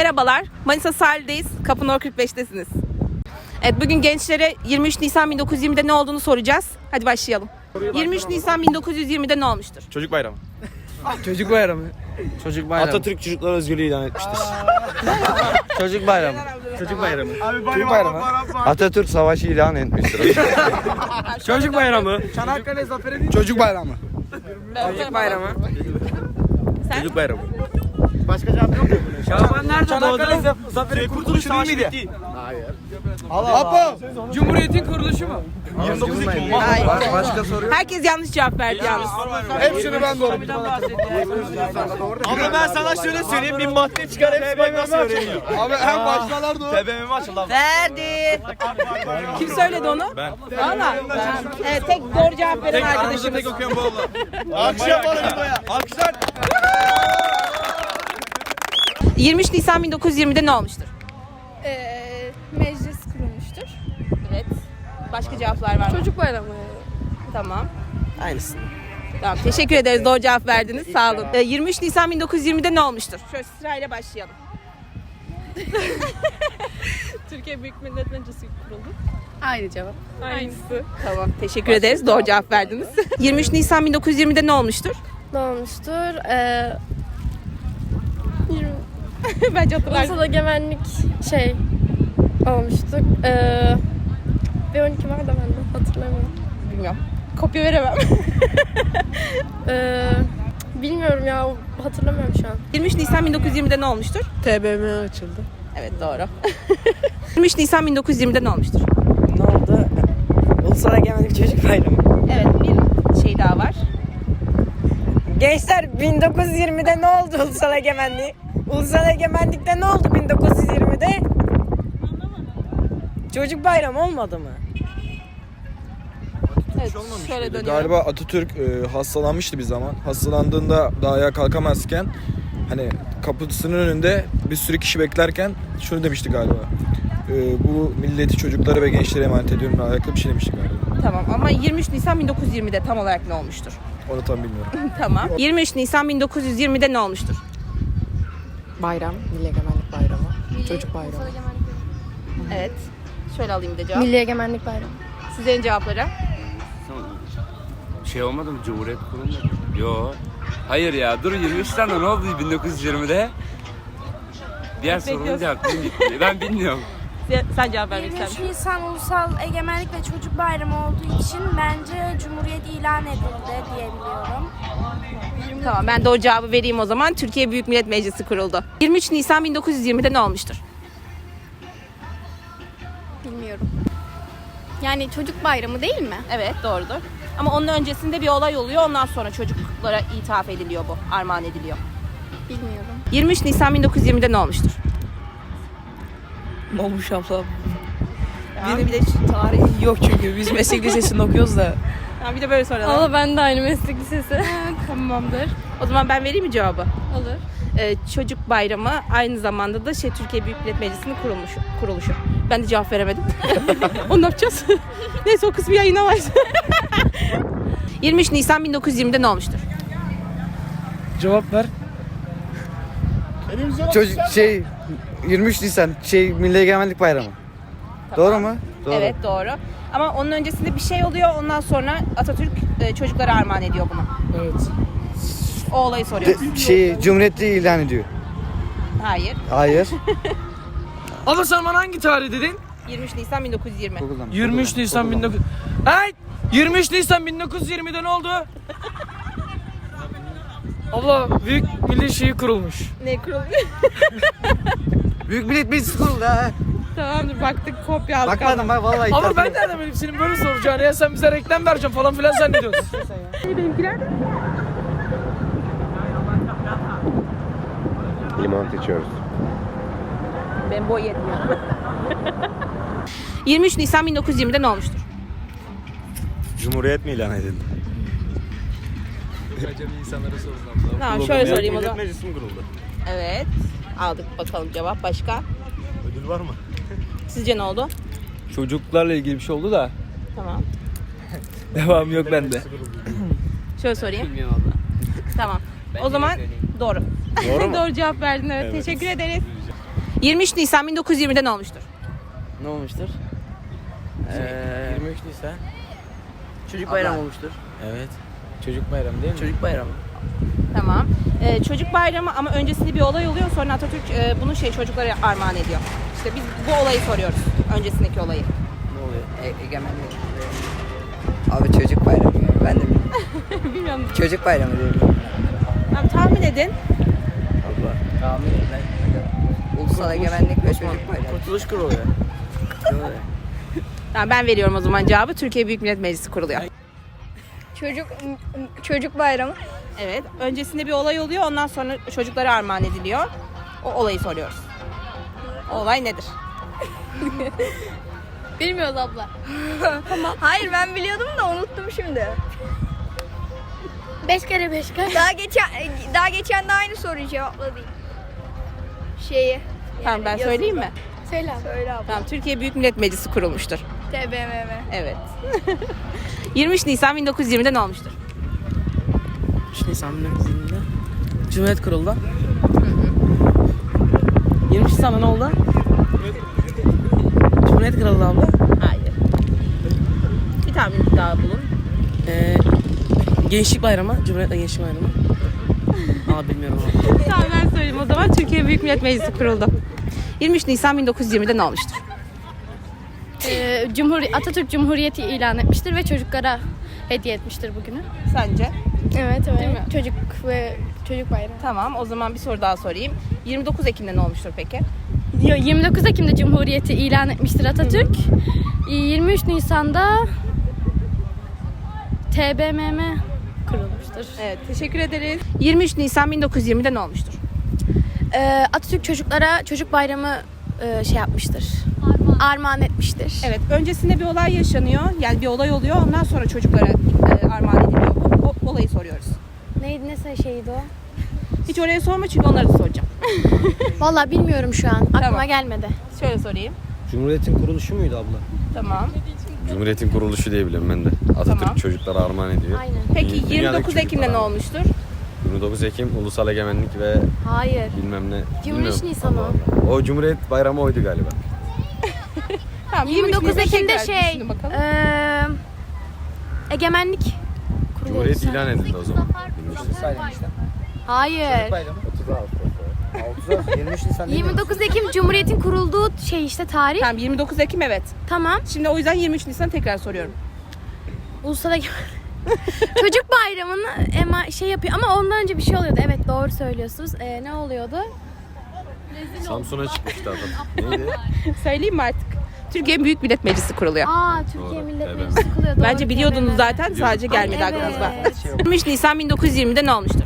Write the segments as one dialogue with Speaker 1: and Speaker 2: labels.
Speaker 1: Merhabalar, Manisa sahildeyiz, Kapı No 45'tesiniz. Evet, bugün gençlere 23 Nisan 1920'de ne olduğunu soracağız. Hadi başlayalım. 23 Nisan 1920'de ne olmuştur?
Speaker 2: Çocuk bayramı.
Speaker 3: Çocuk bayramı. Çocuk bayramı.
Speaker 2: Atatürk çocuklar özgürlüğü ilan etmiştir.
Speaker 3: Çocuk bayramı.
Speaker 2: Çocuk bayramı.
Speaker 3: Çocuk bayramı.
Speaker 2: Atatürk savaşı ilan etmiştir.
Speaker 3: Çocuk bayramı.
Speaker 4: Çanakkale Zaferi
Speaker 3: Çocuk bayramı.
Speaker 1: Çocuk bayramı.
Speaker 2: Çocuk bayramı.
Speaker 4: Başka cevap yok mu?
Speaker 3: Şaban nerede
Speaker 4: Çanakkale
Speaker 3: doğdu?
Speaker 4: Zaferi Kurtuluş Savaşı bitti.
Speaker 3: Apo. Cumhuriyetin kuruluşu mu?
Speaker 2: 29 Ekim.
Speaker 1: Hayır.
Speaker 3: Başka soru yok.
Speaker 1: Herkes yanlış cevap verdi yalnız.
Speaker 3: Hepsini ben doğru.
Speaker 2: Ama ben sana şöyle söyleyeyim, bir madde çıkar hepsi bak nasıl öğreniyor.
Speaker 3: Abi en baştalar doğru.
Speaker 2: TBMM açıldı abi.
Speaker 1: Verdi. Kim söyledi onu?
Speaker 2: Ben.
Speaker 1: Valla. Evet, tek doğru cevap veren arkadaşımız.
Speaker 2: Tek okuyan bu oldu. Alkış yapalım İbo'ya. Alkışlar.
Speaker 1: 23 Nisan 1920'de ne olmuştur?
Speaker 5: Meclis kurulmuştur.
Speaker 1: Evet. Başka cevaplar var mı?
Speaker 5: Çocuk bayramı.
Speaker 1: Tamam.
Speaker 3: Aynısı.
Speaker 1: Tamam, teşekkür ederiz. Doğru cevap verdiniz. Sağ olun. 23 Nisan 1920'de ne olmuştur? Şöyle sırayla başlayalım.
Speaker 5: Türkiye Büyük Millet Meclisi kuruldu. Aynı cevap. Aynısı.
Speaker 1: Tamam, teşekkür ederiz. Doğru cevap verdiniz. 23 Nisan 1920'de ne olmuştur?
Speaker 6: Ne olmuştur?
Speaker 1: Bence hatırlarsın.
Speaker 6: Ulusal egemenlik olmuştu. Bir 12 var da ben de hatırlamıyorum.
Speaker 1: Bilmiyorum. Kopya veremem.
Speaker 6: Bilmiyorum ya, hatırlamıyorum şu an.
Speaker 1: 23 Nisan 1920'de ne olmuştur?
Speaker 3: TBMM açıldı.
Speaker 1: Evet, doğru. 23 Nisan 1920'de ne olmuştur?
Speaker 7: Ne oldu? Ulusal Egemenlik Çocuk Bayramı.
Speaker 1: Evet, bir şey daha var.
Speaker 7: Gençler 1920'de ne oldu Ulusal Egemenliği? Ulusal Egemenlik'te ne oldu 1920'de? Çocuk Bayramı olmadı mı?
Speaker 1: Evet, şöyle dönüyorum.
Speaker 8: Galiba Atatürk hastalanmıştı bir zaman. Hastalandığında daha ayağa kalkamazken hani kapısının önünde bir sürü kişi beklerken şunu demişti galiba. Bu milleti, çocukları ve gençlere emanet ediyorum. Alakalı bir şey demişti galiba.
Speaker 1: Tamam, ama 23 Nisan 1920'de tam olarak ne olmuştur?
Speaker 8: Onu tam bilmiyorum.
Speaker 1: Tamam. 23 Nisan 1920'de ne olmuştur?
Speaker 9: Bayram, Milli Egemenlik Bayramı, Çocuk Bayramı.
Speaker 1: Evet. Şöyle alayım bir de cevap.
Speaker 6: Milli Egemenlik Bayramı.
Speaker 1: Sizlerin cevapları.
Speaker 10: Şey olmadı mı? Cumhuriyet kurulmadı. Yo. Hayır ya. Dur, 23 tane ne oldu 1920'de? Diğer sorunun cevabını gitti. Ben bilmiyorum.
Speaker 1: Sen cevap vermek ister
Speaker 11: 23
Speaker 1: misin?
Speaker 11: Nisan Ulusal Egemenlik ve Çocuk Bayramı olduğu için bence Cumhuriyet ilan edildi diyebiliyorum.
Speaker 1: Tamam, ben doğru cevabı vereyim o zaman. Türkiye Büyük Millet Meclisi kuruldu. 23 Nisan 1920'de ne olmuştur?
Speaker 5: Bilmiyorum. Yani çocuk bayramı değil mi?
Speaker 1: Evet, doğrudur. Ama onun öncesinde bir olay oluyor. Ondan sonra çocuklara ithaf ediliyor bu. Armağan ediliyor.
Speaker 5: Bilmiyorum.
Speaker 1: 23 Nisan 1920'de ne olmuştur?
Speaker 7: Ne olmuş abla?
Speaker 1: Benim bir de şu tarih.
Speaker 7: Yok çünkü biz meslek lisesinde okuyoruz da.
Speaker 1: Ha, bir de böyle soralım.
Speaker 6: Ama ben de aynı meslek lisesi.
Speaker 1: Tamamdır. O zaman ben vereyim mi cevabı?
Speaker 5: Olur.
Speaker 1: Çocuk bayramı aynı zamanda da Türkiye Büyük Millet Meclisi'nin kuruluşu. Ben de cevap veremedim. Onu ne yapacağız? Neyse, o kısmı yayınlamayız. 23 Nisan 1920'de ne olmuştur?
Speaker 3: Cevap ver.
Speaker 4: Çocuk 23 Nisan Milli Egemenlik Bayramı. Doğru mu? Doğru.
Speaker 1: Evet, doğru. Ama onun öncesinde bir şey oluyor. Ondan sonra Atatürk çocuklara armağan ediyor bunu.
Speaker 3: Evet.
Speaker 1: O olayı soruyoruz.
Speaker 4: Cumhuriyeti ilan ediyor.
Speaker 1: Hayır.
Speaker 4: Hayır.
Speaker 3: Ama sen bana hangi tarih dedin?
Speaker 1: 23 Nisan 1920.
Speaker 3: 23 Nisan 19... Hey! 23 Nisan 1920'de ne oldu? Abla büyük milli şeyi kurulmuş.
Speaker 1: Ne kurulmuş?
Speaker 4: Büyük Millet Meclisi kuruldu ha.
Speaker 1: Tamamdır, baktık, kopya aldık.
Speaker 4: Bakmadım ben vallahi.
Speaker 3: Ama ben nereden bileyim senin böyle soracağını ya, sen bize reklam vereceksin falan filan zannediyorsun.
Speaker 1: Benimkiler de.
Speaker 2: Limonata içiyoruz.
Speaker 1: Ben boy yetmiyor. 23 Nisan 1920'de ne olmuştur?
Speaker 2: Cumhuriyet mi ilan edildi?
Speaker 1: Tamam, şöyle sorayım o zaman.
Speaker 2: Meclisi mi kuruldu?
Speaker 1: Evet. Aldık bakalım cevap. Başka?
Speaker 2: Ödül var mı?
Speaker 1: Sizce ne oldu?
Speaker 3: Çocuklarla ilgili bir şey oldu da
Speaker 1: Tamam.
Speaker 3: devam yok bende.
Speaker 1: Şöyle sorayım. Tamam. O zaman doğru.
Speaker 2: Doğru mu?
Speaker 1: Doğru cevap verdin, evet. Teşekkür ederiz. 23 Nisan 1920'de ne olmuştur?
Speaker 7: Ne olmuştur?
Speaker 3: 23 Nisan.
Speaker 7: Çocuk bayramı olmuştur.
Speaker 3: Evet. Çocuk bayramı değil mi?
Speaker 7: Çocuk bayramı.
Speaker 1: Tamam. Çocuk bayramı ama öncesinde bir olay oluyor. Sonra Atatürk bunu çocuklara armağan ediyor. İşte biz bu olayı soruyoruz. Öncesindeki olayı.
Speaker 7: Ne oluyor?
Speaker 4: Egemenlik. Abi çocuk bayramı. Ben de
Speaker 1: Bilmiyorum.
Speaker 4: çocuk bayramı diyorum.
Speaker 1: Tamam, tahmin edin.
Speaker 7: Allah. Tahmin et.
Speaker 4: Ulusal egemenlik ve çocuk bayramı.
Speaker 7: Kurtuluş kurulu ya.
Speaker 1: Tamam, ben veriyorum o zaman cevabı. Türkiye Büyük Millet Meclisi kuruluyor.
Speaker 6: Çocuk bayramı.
Speaker 1: Evet. Öncesinde bir olay oluyor. Ondan sonra çocuklara armağan ediliyor. O olayı soruyoruz. O olay nedir?
Speaker 6: Bilmiyoruz abla. Hayır ben biliyordum da unuttum şimdi. 5 kere 5 kaç? Daha geçen de aynı soruyu cevapladım.
Speaker 1: Tamam, ben söyleyeyim mi?
Speaker 6: Söyle abla.
Speaker 1: Tamam, Türkiye Büyük Millet Meclisi kurulmuştur.
Speaker 6: TBMM.
Speaker 1: Evet. 23 Nisan 1920'de ne olmuştur?
Speaker 7: 23 Nisan 1920'de Cumhuriyet kuruldu. 23 Nisan'da ne oldu? Cumhuriyet kuruldu abla.
Speaker 1: Hayır. Bir tahmin daha bulun.
Speaker 7: Gençlik bayramı. Cumhuriyet'le gençlik bayramı. Aa bilmiyorum abi.
Speaker 1: Tamam, ben söyleyeyim o zaman. Türkiye Büyük Millet Meclisi kuruldu. 23 Nisan 1920'de ne olmuştur?
Speaker 6: Atatürk Cumhuriyeti ilan etmiştir ve çocuklara hediye etmiştir bugünü.
Speaker 1: Sence?
Speaker 6: Evet
Speaker 1: Değil mi?
Speaker 6: Çocuk bayramı.
Speaker 1: Tamam, o zaman bir soru daha sorayım. 29 Ekim'de ne olmuştur peki?
Speaker 6: 29 Ekim'de Cumhuriyeti ilan etmiştir Atatürk. 23 Nisan'da TBMM kurulmuştur.
Speaker 1: Evet, teşekkür ederiz. 23 Nisan 1920'de ne olmuştur?
Speaker 6: Atatürk çocuklara çocuk bayramı yapmıştır. Armağan etmiştir.
Speaker 1: Evet, öncesinde bir olay yaşanıyor. Yani bir olay oluyor. Ondan sonra çocuklara armağan ediliyor. O olayı soruyoruz.
Speaker 6: Neydi ne şeydi o?
Speaker 1: Hiç oraya sorma çünkü onları da soracağım.
Speaker 6: Vallahi bilmiyorum şu an. Aklıma
Speaker 1: Tamam.
Speaker 6: gelmedi.
Speaker 1: Şöyle sorayım.
Speaker 3: Cumhuriyetin kuruluşu muydu abla?
Speaker 1: Tamam.
Speaker 12: Cumhuriyetin kuruluşu diye biliyorum ben de. Atatürk
Speaker 1: Tamam.
Speaker 12: çocuklara armağan ediyor.
Speaker 6: Aynen.
Speaker 1: Peki
Speaker 12: Dünyadaki
Speaker 1: 29 Ekim'de
Speaker 12: çocuklara.
Speaker 1: ne olmuştur?
Speaker 12: 29 Ekim Ulusal Egemenlik ve
Speaker 6: Hayır.
Speaker 12: bilmem ne.
Speaker 6: 23
Speaker 12: bilmiyorum.
Speaker 6: Nisan o.
Speaker 12: Allah Allah. O Cumhuriyet bayramı oydu galiba.
Speaker 1: Tamam,
Speaker 6: 29
Speaker 1: Nisan
Speaker 6: Ekim'de
Speaker 1: tekrar düşünün bakalım.
Speaker 6: Egemenlik kuruluyor.
Speaker 12: Cumhuriyet ilan edildi o zaman. 23
Speaker 6: Hayır.
Speaker 4: Bayramı. 23 Nisan
Speaker 6: 29 Ekim Cumhuriyet'in kurulduğu tarih.
Speaker 1: Tamam, 29 Ekim evet.
Speaker 6: Tamam.
Speaker 1: Şimdi o yüzden 23 Nisan tekrar soruyorum.
Speaker 6: Ulusal Çocuk bayramını yapıyor ama ondan önce bir şey oluyordu. Evet doğru söylüyorsunuz. Ne oluyordu?
Speaker 12: Samsun'a çıkmıştı adam. Neydi?
Speaker 1: Söyleyeyim mi artık? Türkiye Büyük Millet Meclisi kuruluyor.
Speaker 6: Türkiye
Speaker 12: Doğru,
Speaker 6: Millet
Speaker 12: evet.
Speaker 6: Meclisi kuruluyor. Doğru,
Speaker 1: Bence biliyordunuz
Speaker 6: TBMM.
Speaker 1: zaten, sadece gelmedi
Speaker 6: Evet.
Speaker 1: aklınıza. 23 Nisan 1920'de ne olmuştur?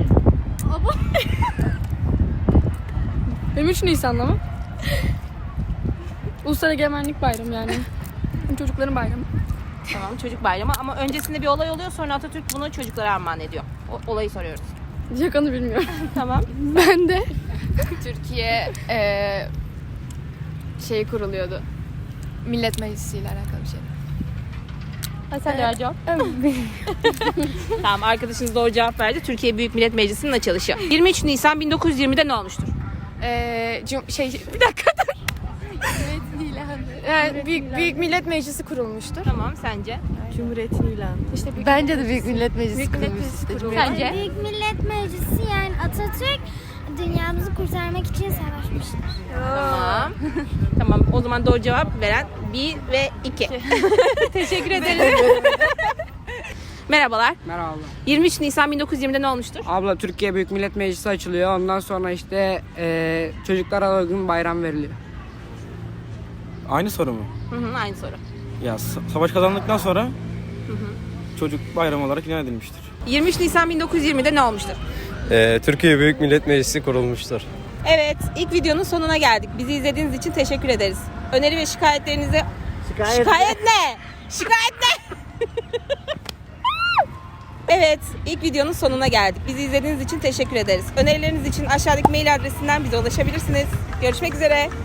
Speaker 5: 23 Nisan'da mı? Ulusal Egemenlik Bayramı yani. Çocukların bayramı.
Speaker 1: Tamam, çocuk bayramı ama öncesinde bir olay oluyor, sonra Atatürk bunu çocuklara armağan ediyor. O olayı soruyoruz.
Speaker 5: Yakanı bilmiyorum.
Speaker 1: Tamam.
Speaker 5: Ben de.
Speaker 9: Türkiye kuruluyordu. Millet Meclisi ile alakalı bir şey.
Speaker 1: Sen de cevap. Tamam, arkadaşınız doğru cevap verdi. Türkiye Büyük Millet Meclisi'nin açılışı. 23 Nisan 1920'de ne olmuştur?
Speaker 9: Bir dakika dur. Büyük Millet Meclisi kurulmuştur.
Speaker 1: Tamam, sence?
Speaker 9: Cumhuriyetin ilanı.
Speaker 6: İşte
Speaker 9: Bence de Büyük Millet Meclisi kurulmuştur.
Speaker 1: Sence?
Speaker 11: Büyük Millet Meclisi yani Atatürk dünyamızı kurtarmak için savaşmıştır.
Speaker 1: Tamam. Tamam, o zaman doğru cevap veren 1 ve 2. Teşekkür ederim. Merhabalar.
Speaker 7: Merhaba.
Speaker 1: 23 Nisan 1920'de ne olmuştur?
Speaker 7: Abla Türkiye Büyük Millet Meclisi açılıyor. Ondan sonra çocuklara uygun bayram veriliyor.
Speaker 3: Aynı soru mu?
Speaker 1: Hı, aynı soru.
Speaker 3: Ya savaş kazandıktan sonra çocuk bayramı olarak ilan edilmiştir.
Speaker 1: 23 Nisan 1920'de ne olmuştur?
Speaker 12: Türkiye Büyük Millet Meclisi kurulmuştur.
Speaker 1: Evet, ilk videonun sonuna geldik. Bizi izlediğiniz için teşekkür ederiz. Öneri ve şikayetlerinizi... Şikayet ne? Şikayet ne? Evet, ilk videonun sonuna geldik. Bizi izlediğiniz için teşekkür ederiz. Önerileriniz için aşağıdaki mail adresinden bize ulaşabilirsiniz. Görüşmek üzere.